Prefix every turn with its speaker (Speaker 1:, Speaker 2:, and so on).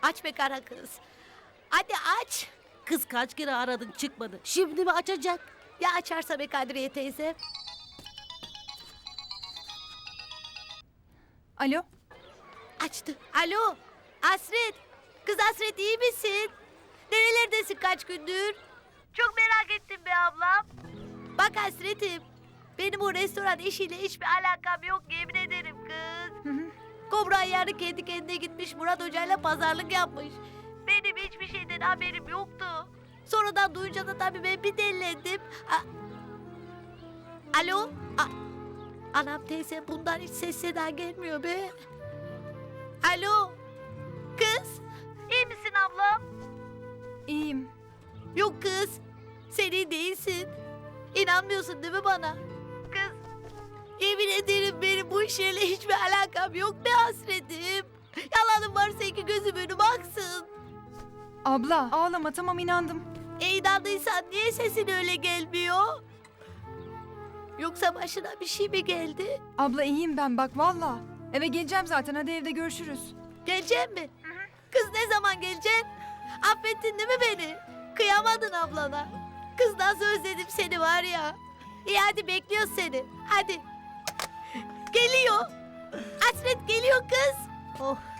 Speaker 1: Aç be kara kız. Hadi aç.
Speaker 2: Kız kaç kere aradık çıkmadı. Şimdi mi açacak?
Speaker 1: Ya açarsa be Kadriye teyze?
Speaker 3: Alo?
Speaker 1: Açtı. Alo. Hasret. Kız Hasret iyi misin? Nerelerdesin kaç gündür? Çok merak ettim be ablam. Bak Hasret'im. Benim o restoran işiyle hiçbir alakam yok yemin ederim kız. Kobra yarı kendi kendine gitmiş Murat Hoca'yla pazarlık yapmış. Benim hiçbir şeyden haberim yoktu. Sonradan duyunca da tabii ben bir delilendim. Alo? Anam teyze bundan hiç ses seda gelmiyor be. Alo? Kız? İyi misin ablam?
Speaker 3: İyiyim.
Speaker 1: Yok kız. Sen iyi değilsin. İnanmıyorsun değil mi bana? Kız. Yemin ederim benim bu işlerle hiçbir alakam yok ne Hasretim. Yalanım varsa iki gözüm önüme aksın.
Speaker 3: Abla ağlama, tamam, inandım.
Speaker 1: İnandıysan niye sesin öyle gelmiyor? Yoksa başına bir şey mi geldi?
Speaker 3: Abla iyiyim ben, bak valla. Eve geleceğim zaten, hadi evde görüşürüz.
Speaker 1: Gelecek mi? Kız ne zaman geleceksin? Affettin değil mi beni? Kıyamadın ablana. Kız nasıl özledim seni var ya. İyi hadi bekliyoruz seni. Hadi. Geliyor. Hasret geliyor kız. Oh.